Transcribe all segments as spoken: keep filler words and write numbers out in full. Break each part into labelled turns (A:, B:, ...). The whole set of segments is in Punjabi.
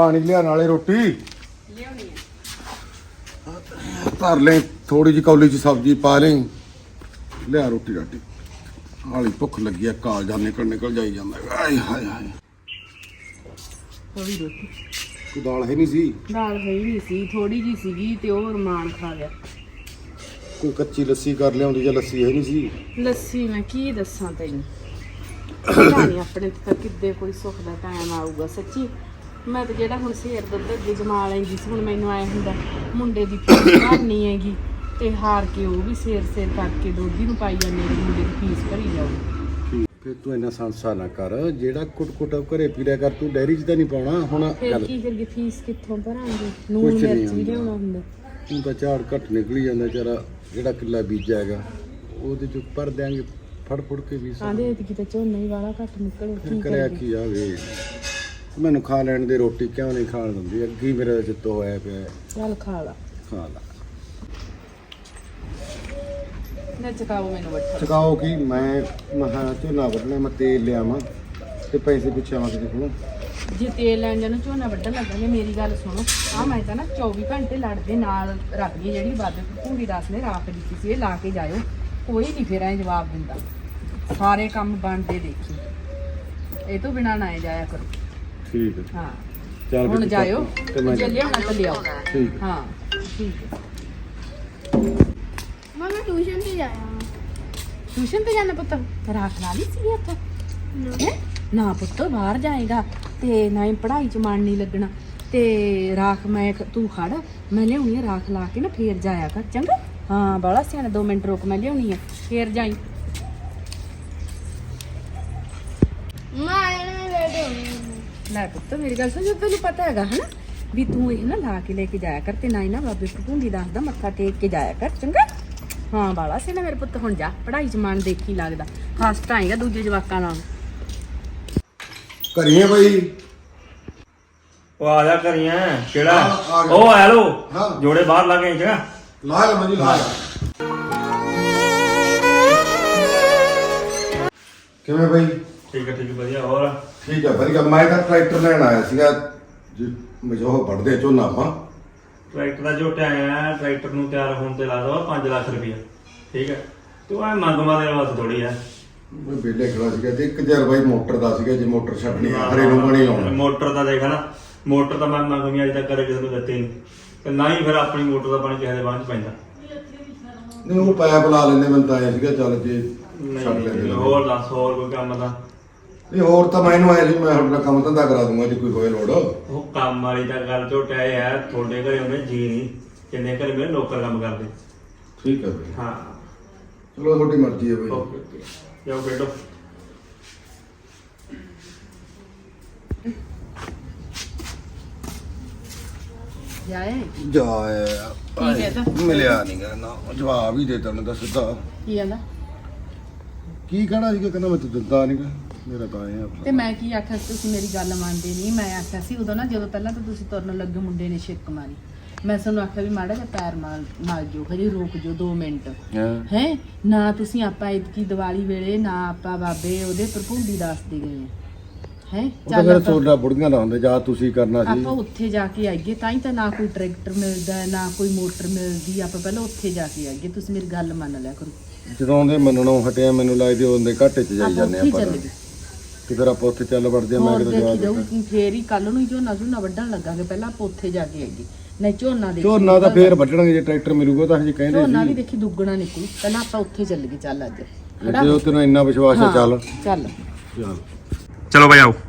A: पानी लिया नाले रोटी
B: लियानी है
A: धर ले थोड़ी जी कौली च सब्जी पा लें लिया रोटी राटी हाली भुख लगी है कालजा निकल निकल जाई जांदा हाय हाय हाय
B: थोड़ी रोटी
A: कोई दाल है नहीं सी
B: दाल है ही नहीं सी थोड़ी जी सीगी ते और रमान खा गया
A: कोई कच्ची लस्सी कर लिया ਜਾਂ ਲੱਸੀ ਹੈ ਨਹੀਂ ਸੀ
B: ਲੱਸੀ ਮੈਂ ਕੀ ਦੱਸਾਂ ਤੈਨੂੰ ਪਤਾ ਨਹੀਂ ਆਪਣੇ ਤੇ ਕਿੱਦੇ ਕੋਈ ਸੁੱਖ ਦਾ ਟਾਈਮ ਆਊਗਾ ਸੱਚੀ ਮੈਂ ਤਾਂ ਜਿਹੜਾ ਹੁਣ ਸੇਰ ਦੁੱਧ ਅੱਗੇ ਜਮਾ ਲੈਂਦੀ ਸੀ ਹੁਣ ਮੈਨੂੰ ਆਇਆ ਹੁੰਦਾ ਮੁੰਡੇ ਦੀ ਫੀਸ ਭਰਨੀ ਹੈਗੀ ਤੇ ਹਾਰ ਕੇ ਉਹ ਵੀ ਸੇਰ ਸੇਰ ਕਰਕੇ ਦੋਧੀ ਨੂੰ ਪਾਈ ਜਾਂਦੇ ਨੇ ਮੁੰਡੇ ਦੀ ਫੀਸ ਭਰੀ ਜਾਊ
A: ਫਿਰ ਤੂੰ ਇੰਨਾ ਸੰਸਾ ਨਾ ਕਰ ਜਿਹੜਾ ਕੁੱਟ ਕੁੱਟ ਘਰੇ ਪੀ ਲਿਆ ਕਰ ਤੂੰ ਡੈਰੀ 'ਚ ਤਾਂ ਨਹੀਂ ਪਾਉਣਾ ਹੁਣ
B: ਫਿਰ ਕੀ ਕਰੀਏ ਫੀਸ ਕਿੱਥੋਂ ਭਰਾਂਗੇ ਨੂਨ ਮਿਰਚ ਵੀ ਲਿਆਉਣਾ ਹੁੰਦਾ
A: ਤੂੰ ਤਾਂ ਝਾੜ ਘੱਟ ਨਿਕਲੀ ਜਾਂਦਾ ਚਾਰਾ ਜਿਹੜਾ ਕਿੱਲਾ ਬੀਜਿਆ ਹੈਗਾ ਉਹਦੇ 'ਚ ਭਰ ਦਿਆਂਗੇ ਫੜ ਫੜ ਕੇ ਵੀ
B: ਆਂਦੇ ਤੇ ਕਿਤੇ ਝੋਨਾ ਹੀ ਵਾਲਾ ਘੱਟ ਨਿਕਲੇ ਕੀ
A: ਕਰਿਆ ਕੀ ਆਵੇ ਮੈਨੂੰ ਖਾ ਲੈਣ ਦੇ ਰੋਟੀ ਕਿਉਂ ਨਹੀਂ ਖਾਣ ਦਿੰਦੀ ਅੱਗੇ ਹੀ ਮੇਰੇ ਚਿੱਤੋ ਹੋਇਆ ਪਿਆ
B: ਚੱਲ ਖਾ ਲਾ
A: ਖਾ ਲਾ
B: ਨਾ ਚਕਾਓ ਮੈਨੂੰ ਬੱਠਾ
A: ਚਕਾਓ ਕੀ ਮੈਂ ਮਹਾ ਝੋਨਾ ਵੱਢਣਾ ਮੈਂ ਤੇਲ ਲਿਆਵਾਂ ਤੇ ਪੈਸੇ ਪੁੱਛਾਵਾਂ ਕਿਤੇ ਕੋਲੋਂ
B: ਜੇ ਤੇਲ ਲੈਣ ਜਾਣਾ ਝੋਨਾ ਵੱਢਣ ਲੱਗਾਂਗੇ ਮੇਰੀ ਗੱਲ ਸੁਣੋ ਆ ਮੈਂ ਤਾਂ ਨਾ ਚੌਵੀ ਘੰਟੇ ਲੜਦੇ ਨਾਲ ਰੱਖਦੀ ਜਿਹੜੀ ਬਾਬੇ ਭੂੰਗੀ ਦਾਸ ਨੇ ਰਾਖ ਦਿੱਤੀ ਸੀ ਇਹ ਲਾ ਕੇ ਜਾਇਓ ਕੋਈ ਨਹੀਂ ਫਿਰ ਐ ਜਵਾਬ ਦਿੰਦਾ ਸਾਰੇ ਕੰਮ ਬਣਦੇ ਦੇਖੀ ਇਹ ਤੋਂ ਬਿਨਾਂ ਨਾ ਜਾਇਆ ਕਰੋ
A: ਠੀਕ ਹੈ
B: ਹਾਂ
A: ਚੱਲ
B: ਹੁਣ ਜਾਇਓ
A: ਤੇ ਮੈਂ
B: ਜੇ ਲਿਆਉਣਾ ਤਾਂ ਲਿਆਓ
A: ਠੀਕ
B: ਹਾਂ ਠੀਕ ਹੈ
C: ਮੈਂ ਟਿਊਸ਼ਨ ਤੇ ਜਾਇਆ
B: ਟਿਊਸ਼ਨ ਤੇ ਜਾਣਾ ਪੁੱਤ ਰਾਖ ਲਾ ਲਈ ਸੀ ਇੱਥੇ ਹੈਂ? ਨਾ ਪੁੱਤ ਬਾਹਰ ਜਾਏਗਾ ਤੇ ਨਾ ਹੀ ਪੜ੍ਹਾਈ 'ਚ ਮਨ ਨਹੀਂ ਲੱਗਣਾ ਤੇ ਰਾਖ ਮੈਂ ਤੂੰ ਖੜ ਮੈਂ ਲਿਆਉਣੀ ਆ ਰਾਖ ਲਾ ਕੇ ਨਾ ਫੇਰ ਜਾਇਆ ਕਰ ਚੰਗਾ ਹਾਂ ਬਾਲਾ ਸਿਆਣਾ ਦੋ ਮਿੰਟ ਰੁਕ ਮੈਂ ਲਿਆਉਣੀ ਆ ਫੇਰ ਜਾਈ
C: ਮੈਂ ਇਹਨੇ ਵੇਟ ਹੋਣੀ
B: ਲੈ ਪੁੱਤ ਮੇਰੀ ਗੱਲ ਸੁਣ ਜੇ ਤੈਨੂੰ ਪਤਾ ਹੈਗਾ ਹਨਾ ਵੀ ਤੂੰ ਇਹ ਨਾ ਲਾ ਕੇ ਲੈ ਕੇ ਜਾਇਆ ਕਰ ਤੇ ਨਾ ਹੀ ਨਾ ਬਾਬੇ ਭੂੰਡੀ ਦੱਸਦਾ ਮੱਥਾ ਟੇਕ ਕੇ ਜਾਇਆ ਕਰ ਚੰਗਾ ਹਾਂ ਬਾਲਾ ਸਿਆਣਾ ਮੇਰੇ ਪੁੱਤ ਹੁਣ ਜਾ ਪੜ੍ਹਾਈ 'ਚ ਮਨ ਦੇਖੀ ਲੱਗਦਾ ਫਸਟ ਆਏਗਾ ਦੂਜੇ ਜਵਾਕਾਂ ਨਾਲ
A: ਕਰੀਏ ਬਈ
D: ਉਹ ਆ ਜਾ ਕਰੀਆਂ ਕਿਹੜਾ
A: ਹਾਂ, ਆ ਗਿਆ।
D: ਉਹ ਆ ਲੋ
A: ਹਾਂ।
D: ਜੋੜੇ ਬਾਹਰ ਲਾ ਕੇ ਚੰਗਾ
A: ਲਾ ਲੈ ਮਜੀ ਲਾ ਕਿਵੇਂ ਬਈ
D: ਠੀਕ ਹੈ ਠੀਕ ਹੈ ਵਧੀਆ ਹੋਰ
A: ਠੀਕ ਹੈ ਵਧੀਆ ਮੈਂ ਤਾਂ ਟਰੈਕਟਰ ਲੈਣ ਆਇਆ ਸੀਗਾ ਜੀ ਮਜੋ ਵੱਢਦੇ ਝੋਨਾ ਆਪਾਂ
D: ਟਰੈਕਟਰ ਦਾ ਜੋ ਟਾਈਮ ਹੈ ਟਰੈਕਟਰ ਨੂੰ ਤਿਆਰ ਹੋਣ ਤੇ ਲਾ ਦੋ ਪੰਜ ਲੱਖ ਰੁਪਇਆ ਠੀਕ ਹੈ ਤੂੰ ਐ ਮੰਗਵਾ ਦੇ ਵਾਸਤੇ ਥੋੜੀ ਆ
A: ਮੈਂ ਬੇਲੇ ਖੜਾ ਸੀਗਾ ਤੇ ਇੱਕ ਹਜ਼ਾਰ ਬਾਈ ਮੋਟਰ ਦਾ ਸੀਗਾ ਜੇ ਮੋਟਰ ਛੱਡਣੀ ਆ ਹਰੇ ਨੂੰ ਬਣੀ ਲਾਉਣਾ
D: ਮੋਟਰ ਦਾ ਦੇਖ ਨਾ ਮੋਟਰ ਤਾਂ ਮੈਂ ਮੰਗਵੀਂ ਅਜੇ ਤੱਕ ਕਦੇ ਕਿਸੇ ਨੂੰ ਦਿੱਤੀ ਨਹੀਂ ਤੇ ਨਾ ਹੀ ਫਿਰ ਆਪਣੀ ਮੋਟਰ ਦਾ ਪਾਣੀ ਕਿਸੇ ਦੇ ਬਾਂਹ 'ਚ ਪੈਂਦਾ
A: ਨਹੀਂ ਉਹ ਪੈਪ ਲਾ ਲੈਂਦੇ ਮੈਨੂੰ ਤਾਂ ਆਇਆ ਸੀਗਾ ਚੱਲ ਜੇ ਛੱਡ ਲੈਂਦੇ
D: ਨਹੀਂ ਹੋਰ ਦੱਸ ਹੋਰ ਕੋਈ ਕੰਮ ਤਾਂ
A: ਨਹੀਂ ਹੋਰ ਤਾਂ ਮੈਨੂੰ ਆਇਆ ਸੀ ਮੈਂ ਤੁਹਾਡਾ ਕੰਮ ਧੰਦਾ ਕਰਾ ਦੂੰਗਾ ਜੇ ਕੋਈ ਹੋਏ ਲੋੜ
D: ਉਹ ਕੰਮ ਵਾਲੀ ਤਾਂ ਗੱਲ ਝੋਟਿਆ ਇਹ ਹੈ ਤੁਹਾਡੇ ਘਰੇ ਉਹਨੇ ਜੀ ਨਹੀਂ ਜਿੰਨੇ ਘਰੇ ਮੇਰੇ ਨੌਕਰ ਕੰਮ ਕਰਦੇ
A: ਠੀਕ ਹੈ ਬਈ
D: ਹਾਂ
A: ਚਲੋ ਤੁਹਾਡੀ ਮਰਜ਼ੀ ਹੈ ਬਈ
D: ਓਕੇ ਓਕੇ ਜਾਓ ਬੈਠੋ
B: ਜਾਏ
A: ਜਾਇਆ
B: ਕੀ ਕਹਿੰਦਾ?
A: ਮਿਲਿਆ ਨਹੀਂ ਗਾ ਨਾ ਜਵਾਬ ਹੀ ਦੇ ਤਾ ਉਹਨੇ ਤਾਂ ਸਿੱਧਾ
B: ਕੀ ਆਂਦਾ
A: ਕੀ ਕਹਿਣਾ ਸੀਗਾ ਕਹਿੰਦਾ ਮੈਂ ਤਾਂ ਦਿੰਦਾ ਨਹੀਂ ਗਾ ਮੇਰਾ ਤਾਂ ਆਇਆ
B: ਤੇ ਮੈਂ ਕੀ ਆਖਿਆ ਸੀ, ਤੁਸੀਂ ਮੇਰੀ ਗੱਲ ਮੰਨਦੇ ਨਹੀਂ ਮੈਂ ਆਖਿਆ ਸੀ ਉਦੋਂ ਨਾ ਜਦੋਂ ਪਹਿਲਾਂ ਤਾਂ ਤੁਸੀਂ ਤੁਰਨ ਲੱਗੇ ਮੁੰਡੇ ਨੇ ਛਿੱਕ ਮਾਰੀ ਮੈਂ ਤੁਹਾਨੂੰ ਆਖਿਆ ਵੀ ਮਾੜਾ ਜਿਹਾ ਪੈਰ ਮਾਰ ਮਾਰ ਜਿਓ ਹਜੇ ਰੁਕ ਜਿਓ ਦੋ ਮਿੰਟ ਹੈ ਨਾ ਤੁਸੀਂ ਆਪਾਂ ਇਤਕੀ ਦੀਵਾਲੀ ਵੇਲੇ ਨਾ ਆਪਾਂ ਬਾਬੇ ਉਹਦੇ ਭਰਪੂੰਡੀ ਦੱਸਦੇ ਗਏ ਹੈ
A: ਉਹ ਤਾਂ ਫਿਰ ਸੋਡਾ ਬੁੜੀਆਂ ਦਾ ਹੁੰਦਾ ਜਾਂ ਤੁਸੀਂ ਕਰਨਾ ਸੀ
B: ਆਪਾਂ ਉੱਥੇ ਜਾ ਕੇ ਆਈਏ ਤਾਂ ਹੀ ਤਾਂ ਨਾ ਕੋਈ ਟਰੈਕਟਰ ਮਿਲਦਾ ਹੈ, ਨਾ ਕੋਈ ਮੋਟਰ ਮਿਲਦੀ ਆਪਾਂ ਪਹਿਲਾਂ ਉੱਥੇ ਜਾ ਕੇ ਆਈਏ ਤੁਸੀਂ ਮੇਰੀ ਗੱਲ ਮੰਨ ਲਿਆ ਕਰੋ
A: ਜਦੋਂ ਦੇ ਮੰਨਣੋਂ ਹਟਿਆ ਮੈਨੂੰ ਲੱਗਦੀ ਉਹਦੇ ਘਾਟੇ 'ਚ ਜਾਈ
B: ਆਪਾਂ
A: ਜਾਂਦੇ
B: ਉੱਥੇ
A: ਆਪਾਂ
B: ਚੱਲ ਗਏ
A: ਤੇ ਫਿਰ ਆਪਾਂ ਉੱਥੇ ਚੱਲ ਵੜਦੇ ਆ ਮੈਂ
B: ਹੋਰ
A: ਕਿਤੇ
B: ਦੇਖੀ
A: ਜਵਾਬ
B: ਜਾਊ ਫੇਰ ਹੀ ਕੱਲ ਨੂੰ ਹੀ ਝੋਨਾ ਝੋਨਾ ਵੱਢਣ ਲੱਗਾਂਗੇ ਪਹਿਲਾਂ ਆਪਾਂ ਉੱਥੇ ਜਾ ਕੇ ਆਈਏ ਨਹੀਂ ਝੋਨਾ ਦੇ
A: ਝੋਨਾ ਤਾਂ ਫੇਰ ਵੱਢਣਗੇ ਜੇ ਟਰੈਕਟਰ ਮਿਲੂਗਾ ਤਾਂ ਹਜੇ ਕਹਿੰਦੇ
B: ਝੋਨਾ ਵੀ ਦੇਖੀ ਦੁੱਗਣਾ ਨਿਕਲੂ ਪਹਿਲਾਂ ਆਪਾਂ ਉੱਥੇ ਚੱਲ ਗਏ ਚੱਲ ਅੱਜ
A: ਜੇ ਉਹ ਤੈਨੂੰ ਇੰਨਾ ਵਿਸ਼ਵਾਸ ਹੈ ਚੱਲ
B: ਚੱਲ
A: ਚੱਲ
D: ਚਲੋ ਬਈ ਆਓ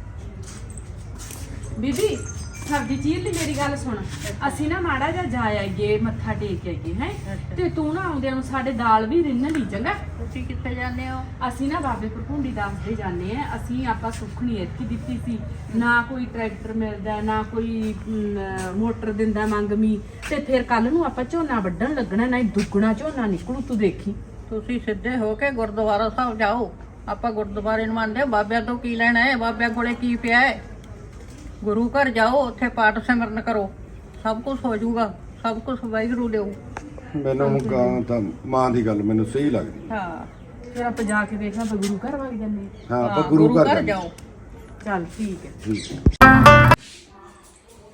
B: ਬੀਬੀ ਸਰਦੀ ਚੀਰ ਲਈ ਮੇਰੀ ਗੱਲ ਸੁਣ ਅਸੀਂ ਨਾ ਮਾੜਾ ਜਿਹਾ ਜਾ ਆਈਏ ਮੱਥਾ ਟੇਕ ਆਈਏ ਹੈ ਤੇ ਤੂੰ ਨਾ ਆਉਂਦਿਆਂ ਨੂੰ ਸਾਡੇ ਦਾਲ ਵੀ ਰਿੰਨ ਲਈ ਚੰਗਾ
C: ਤੁਸੀਂ ਕਿੱਥੇ ਜਾਂਦੇ ਹੋ
B: ਅਸੀਂ ਨਾ ਬਾਬੇ ਭਰਪੂੰਡੀ ਦੱਸਦੇ ਜਾਂਦੇ ਆ ਅਸੀਂ ਆਪਾਂ ਸੁੱਖ ਨਹੀਂ ਇਤਕੀ ਦਿੱਤੀ ਸੀ ਨਾ ਕੋਈ ਟਰੈਕਟਰ ਮਿਲਦਾ ਨਾ ਕੋਈ ਅਮ, ਮੋਟਰ ਦਿੰਦਾ ਮੰਗਮੀ ਤੇ ਫਿਰ ਕੱਲ ਨੂੰ ਆਪਾਂ ਝੋਨਾ ਵੱਢਣ ਲੱਗਣਾ ਨਾ ਦੁੱਗਣਾ ਝੋਨਾ ਨਿਕਲੂ ਤੂੰ ਦੇਖੀ
C: ਤੁਸੀਂ ਸਿੱਧੇ ਹੋ ਕੇ ਗੁਰਦੁਆਰਾ ਸਾਹਿਬ ਜਾਓ ਆਪਾਂ ਗੁਰਦੁਆਰੇ ਨੂੰ ਮੰਨਦੇ ਬਾਬਿਆਂ ਤੋਂ ਕੀ ਲੈਣਾ ਹੈ ਬਾਬਿਆਂ ਕੋਲੇ ਕੀ ਪਿਆ ਹੈ ਗੁਰੂ ਘਰ ਜਾਓ ਉੱਥੇ ਪਾਠ ਸਿਮਰਨ ਕਰੋ ਸਭ ਕੁਝ ਹੋ ਜਾਊਗਾ ਸਭ ਕੁਝ ਵਾਹਿਗੁਰੂ ਦਿਓ
A: ਮੈਨੂੰ ਗਾਂ ਤਾਂ ਮਾਂ ਦੀ ਗੱਲ ਮੈਨੂੰ ਸਹੀ ਲੱਗਦੀ
B: ਹਾਂ ਫਿਰ ਆਪਾਂ ਜਾ ਕੇ ਵੇਖਣਾ ਆਪਾਂ ਗੁਰੂ ਘਰ ਵਗ ਜਾਂਦੇ
A: ਹਾਂ ਆਪਾਂ ਗੁਰੂ ਘਰ
C: ਜਾਓ
B: ਚੱਲ ਠੀਕ ਹੈ
A: ਠੀਕ ਹੈ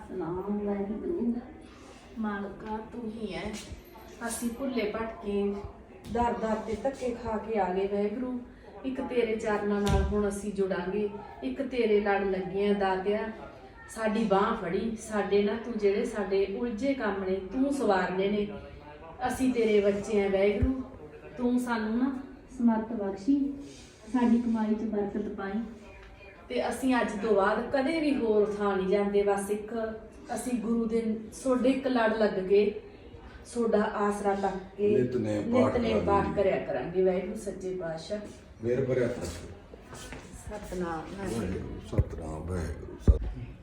B: ਸਤਨਾਮ ਵਾਹਿਗੁਰੂ ਮਾਲਕਾ ਤੂੰ ਹੀ ਹੈ। ਅਸੀਂ ਭੁੱਲੇ ਭਟਕੇ ਦਰ ਦਰ ਤੇ ਧੱਕੇ ਖਾ ਕੇ ਆ ਗਏ ਵਾਹਿਗੁਰੂ। ਇੱਕ ਤੇਰੇ ਚਰਨਾਂ ਨਾਲ ਹੁਣ ਅਸੀਂ ਜੁੜਾਂਗੇ, ਇੱਕ ਤੇਰੇ ਲੜ ਲੱਗੇ ਆ ਦਾਤਿਆ। ਸਾਡੀ ਬਾਹ ਫੜੀ, ਸਾਡੇ ਨਾ ਤੂੰ ਜਿਹੜੇ ਸਾਡੇ ਉਲਝੇ ਕੰਮ ਨੇ ਤੂੰ ਸਵਾਰਨੇ ਨੇ। ਅਸੀਂ ਤੇਰੇ ਬੱਚੇ ਆ ਵਾਹਿਗੁਰੂ, ਤੂੰ ਸਾਨੂੰ ਨਾ ਸਮਰਥ ਬਖਸ਼ੀ, ਸਾਡੀ ਕਮਾਈ 'ਚ ਬਰਕਤ ਪਾਈ ਤੇ ਅਸੀਂ ਅੱਜ ਤੋਂ ਬਾਅਦ ਕਦੇ ਵੀ ਹੋਰ ਥਾਂ ਨਹੀਂ ਜਾਂਦੇ। ਬਸ ਇੱਕ ਅਸੀਂ ਗੁਰੂ ਦੇ ਸੋਡੇ ਇੱਕ ਲੜ ਲੱਗ ਕੇ ਸੋਡਾ ਆਸਰਾ ਤੱਕ ਕੇ
A: ਨਿਤਨੇਮ ਪਾਠ
B: ਨਿਤਨੇਮ ਪਾਠ
A: ਕਰਾਂਗੇ।
B: ਕਰਿਆ ਕਰਾਂਗੇ ਵਾਹਿਗੁਰੂ ਸੱਚੇ ਪਾਤਸ਼ਾਹ।
A: ਮੇਰ ਭਰਿਆ ਤਾਂ
B: ਸਤਨਾਮ ਵਾਹਿਗੁਰੂ
A: ਸਤਨਾਮ ਵਾਹਿਗੁਰੂ ਸਤਿ-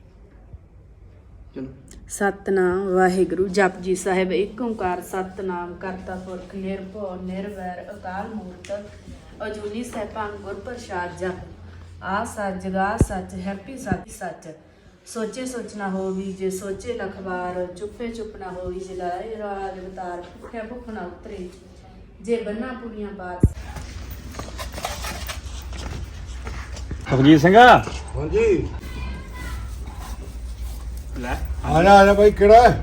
B: ਸਤਨਾਮ ਵਾਹਿਗੁਰੂ। ਜਪਜੀ ਸਾਹਿਬ ਏਕ ਓੰਕਾਰ ਸਤਨਾਮ ਕਰਤਾ ਪੁਰਖ ਨਿਰਭਉ ਨਿਰਵੈਰ ਅਕਾਲ ਮੂਰਤ ਅਜੂਨੀ ਸੈਭੰ ਗੁਰ ਪ੍ਰਸਾਦ। ਜਪ ਆ ਸੱਚ ਜਗਾ ਸੱਚ ਹੈਪੀ ਸੱਚ ਸੱਚ ਸੋਚੇ ਸੋਚਣਾ ਹੋਵੀ ਜੇ ਸੋਚੇ ਲਖਵਾਰ। ਚੁੱਪੇ ਚੁੱਪ ਨਾ ਹੋਈ ਜੇ ਲਾਏ ਰਾਗ ਅਵਤਾਰ। ਭੁੱਖਿਆ ਭੁੱਖ ਨਾ ਉਤਰੇ ਜੇ ਬੰਨਾ ਪੁਰੀਆਂ ਬਾਤ।
D: ਸੁਖਜੀਤ ਸਿੰਘ
A: ਹਾਂਜੀ
D: ਲੈ
A: ਆ ਜਾ ਆ ਜਾ ਬਾਈ ਕਿਹੜਾ ਹੈ?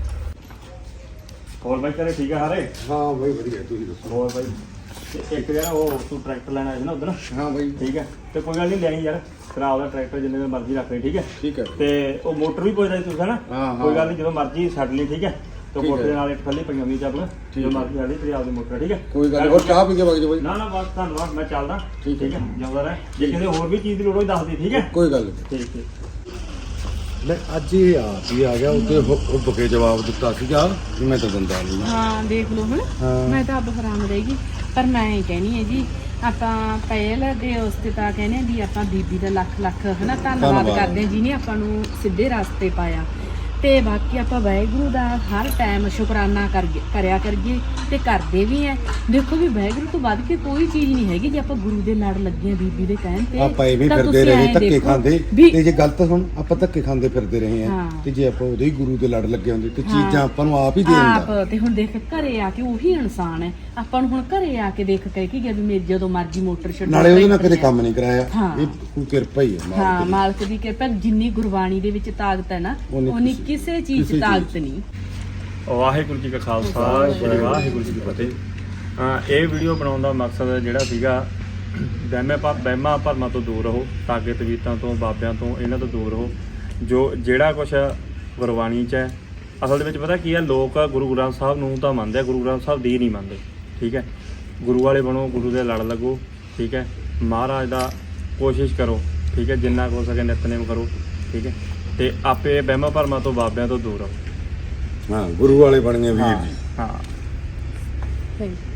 D: ਹੋਰ ਬਾਈ ਘਰੇ ਠੀਕ ਆ ਹਾਰੇ?
A: ਹਾਂ ਬਾਈ ਵਧੀਆ ਤੁਸੀਂ ਦੱਸੋ।
D: ਹੋਰ ਬਾਈ ਤੇ ਇੱਕ ਯਾਰ ਉਹ ਤੂੰ ਟਰੈਕਟਰ ਲੈਣਾ ਹੈ ਨਾ ਉਧਰ,
A: ਹਾਂ ਬਾਈ
D: ਠੀਕ ਹੈ ਤੇ ਕੋਈ ਗੱਲ ਨਹੀਂ ਲੈਣੀ ਯਾਰ, ਤੇਰਾ ਆਪਦਾ ਟਰੈਕਟਰ ਜਿੰਨੇ ਦਿਨ ਮਰਜ਼ੀ ਰੱਖ ਲਈ, ਠੀਕ ਹੈ।
A: ਠੀਕ ਹੈ
D: ਤੇ ਉਹ ਮੋਟਰ ਵੀ ਪੁੱਛਦਾ ਸੀ ਤੁਸੀਂ ਹਨਾ,
A: ਹਾਂ, ਹਾਂ।
D: ਕੋਈ ਗੱਲ ਨਹੀਂ ਜਦੋਂ ਮਰਜ਼ੀ ਛੱਡ ਲਈ, ਠੀਕ ਹੈ। ਤੇ
A: ਠੀਕ
D: ਮੋਟਰ
A: ਹੈ।
D: ਦੇ ਨਾਲ ਇੱਕ ਥੱਲੇ ਪਈਆਂ ਹੋਈ ਚੱਪਲ, ਜਦੋਂ
A: ਹੈ।
D: ਮਰਜ਼ੀ ਛੱਡ ਲਈ, ਤੇਰੀ ਆਪਦੀ ਮੋਟਰ, ਠੀਕ ਹੈ।
A: ਕੋਈ ਗੱਲ ਨੀ। ਹੋਰ ਚਾਹ ਪੀ ਕੇ ਵਗ ਜਾ ਬਾਈ।
D: ਨਾ ਨਾ ਬਸ ਧੰਨਵਾਦ, ਮੈਂ ਚੱਲਦਾ,
A: ਠੀਕ ਹੈ।
D: ਠੀਕ ਹੈ, ਜਿਉਂਦਾ ਰਹਿ। ਜੇ ਕਿਸੇ ਹੋਰ ਵੀ ਚੀਜ਼ ਦੀ ਲੋੜ ਹੋਈ ਦੱਸ ਦੇ, ਠੀਕ ਹੈ।
A: ਕੋਈ ਗੱਲ ਨਹੀਂ।
D: ਠੀਕ ਠੀਕ
A: ਲੈ ਅੱਜ ਇਹ ਆ ਵੀ ਆ ਗਿਆ ਉੱਤੇ ਉਹ ਬਕੇ ਜਵਾਬ ਦਿੱਤਾ ਸੀਗਾ ਵੀ ਮੈਂ ਤਾਂ ਦਿੰਦਾ ਨਹੀਂ।
B: ਹਾਂ ਦੇਖ ਲਓ ਹੁਣ
A: ਹਾਂ।
B: ਮੈਂ ਤਾਂ ਆਪ ਹੈਰਾਨ ਰਹੇਗੀ, ਪਰ ਮੈਂ ਇਹ ਕਹਿਣੀ ਹੈ ਜੀ ਆਪਾਂ ਪਹਿਲ ਦੇ ਉਸ ਤੇ ਤਾਂ ਕਹਿੰਦੇ ਹਾਂ ਵੀ ਆਪਾਂ ਬੀਬੀ ਦਾ ਲੱਖ ਲੱਖ ਹਨਾ ਧੰਨਵਾਦ
A: ਧੰਨਵਾਦ।
B: ਕਰਦੇ ਹਾਂ ਜਿਹਨੇ ਆਪਾਂ ਨੂੰ ਸਿੱਧੇ ਰਸਤੇ ਪਾਇਆ। ਤੇ ਬਾਕੀ ਆਪਾਂ ਵਾਹਿਗੁਰੂ ਦਾ ਹਰ ਟਾਈਮ ਸ਼ੁਕਰਾਨਾ ਕਰੀਏ ਕਰਿਆ ਕਰੀਏ ਤੇ ਕਰਦੇ ਵੀ ਐ। ਦੇਖੋ ਵੀ ਵਾਹਿਗੁਰੂ ਤੋਂ ਵੱਧ ਕੇ ਕੋਈ ਚੀਜ਼ ਨਹੀਂ ਹੈਗੀ। ਜੇ ਆਪਾਂ ਗੁਰੂ ਦੇ ਲੜ ਲੱਗੇ ਆ ਬੀਬੀ ਦੇ ਕਹਿਣ ਤੇ
A: ਆਪਾਂ ਇਹ ਵੀ
B: ਤਾਂ
A: ਫਿਰਦੇ
B: ਤੁਸੀਂ
A: ਰਹੇ
B: ਐਂ
A: ਧੱਕੇ
B: ਦੇਖੋ
A: ਖਾਂਦੇ
B: ਵੀ
A: ਤੇ ਜੇ ਗਲਤ ਸੁਣ ਆਪਾਂ ਧੱਕੇ ਖਾਂਦੇ ਫਿਰਦੇ ਰਹੇ ਆ
B: ਹਾਂ।
A: ਤੇ ਜੇ ਆਪਾਂ ਉਹਦੇ ਹੀ ਗੁਰੂ ਦੇ ਲੜ ਲੱਗੇ ਹੁੰਦੇ ਤੇ
B: ਹਾਂ।
A: ਚੀਜ਼ਾਂ ਆਪਾਂ ਨੂੰ ਆਪ ਹੀ ਦੇ ਦਿੰਦਾ।
B: ਆਪ ਤੇ ਹੁਣ ਦੇਖ ਘਰੇ ਆ ਕੇ ਉਹੀ ਇਨਸਾਨ ਹੈ। ਆਪਾਂ ਨੂੰ ਹੁਣ ਘਰੇ ਆ ਕੇ ਦੇਖ ਕੇ ਕੀ ਗਿਆ ਵੀ ਮੇਰੀ ਜਦੋਂ ਮਰਜ਼ੀ ਮੋਟਰ ਛੱਡੋ
A: ਨਾਲੇ ਉਹਦੇ ਨਾਲ
B: ਟਰੈਕਟਰ
A: ਕਦੇ ਕੰਮ ਨਹੀਂ ਕਰਾਇਆ।
B: ਹਾਂ।
A: ਇਹ ਕੋਈ ਕਿਰਪਾ ਹੀ ਹੈ ਮਾਲਕ
B: ਹਾਂ
A: ਦੀ।
B: ਮਾਲਕ ਦੀ ਕਿਰਪਾ। ਜਿੰਨੀ ਗੁਰਬਾਣੀ ਦੇ ਵਿੱਚ ਤਾਕਤ ਹੈ ਨਾ
A: ਉਨੀ
B: ਉਨੀ
A: ਕਿਸੇ-
B: ਕਿਸੇ ਚੀਜ਼
A: ਕਿਸੇ
B: 'ਚ ਤਾਕਤ ਨਹੀਂ।
D: ਵਾਹਿਗੁਰੂ ਜੀ ਕਾ ਖਾਲਸਾ ਸ੍ਰੀ ਵਾਹਿਗੁਰੂ ਜੀ ਕੀ ਫਤਿਹ। ਅਹ ਇਹ ਵੀਡੀਓ ਬਣਾਉਣ ਦਾ ਮਕਸਦ ਜਿਹੜਾ ਸੀਗਾ, ਵਹਿਮਾਂ ਭਾ ਵਹਿਮਾਂ ਭਰਮਾਂ ਤੋਂ ਦੂਰ ਰਹੋ, ਤਾਗੇ ਤਵੀਤਾਂ ਤੋਂ ਬਾਬਿਆਂ ਤੋਂ ਇਹਨਾਂ ਤੋਂ ਦੂਰ ਰਹੋ। ਜੋ ਜਿਹੜਾ ਕੁਛ ਗੁਰਬਾਣੀ 'ਚ ਹੈ ਅਸਲ ਦੇ ਵਿੱਚ ਪਤਾ ਕੀ ਹੈ, ਲੋਕ ਗੁਰੂ ਗ੍ਰੰਥ ਸਾਹਿਬ ਨੂੰ ਤਾਂ ਮੰਨਦੇ ਆ, ਗੁਰੂ ਗ੍ਰੰਥ ਸਾਹਿਬ ਦੀ ਨਹੀਂ ਮੰਨਦੇ, ਠੀਕ ਹੈ। ਗੁਰੂ ਵਾਲੇ ਬਣੋ, ਗੁਰੂ ਦੇ ਲੜ ਲੱਗੋ, ਠੀਕ ਹੈ। ਮਹਾਰਾਜ ਦਾ ਕੋਸ਼ਿਸ਼ ਕਰੋ, ਠੀਕ ਹੈ, ਜਿੰਨਾ ਕੁ ਹੋ ਸਕੇ ਨਿਤਨੇਮ ਕਰੋ, ਠੀਕ ਹੈ। ਤੇ ਆਪੇ ਵਹਿਮਾਂ ਭਰਮਾਂ ਤੋਂ ਬਾਬਿਆਂ ਤੋਂ ਦੂਰ ਰਹੋ।
A: ਹਾਂ ਗੁਰੂ ਵਾਲੇ ਬਣ ਗਏ ਵੀਰ
D: ਹਾਂ
A: ਜੀ।
D: ਹਾਂ
B: ਥੈਂਕ ਯੂ।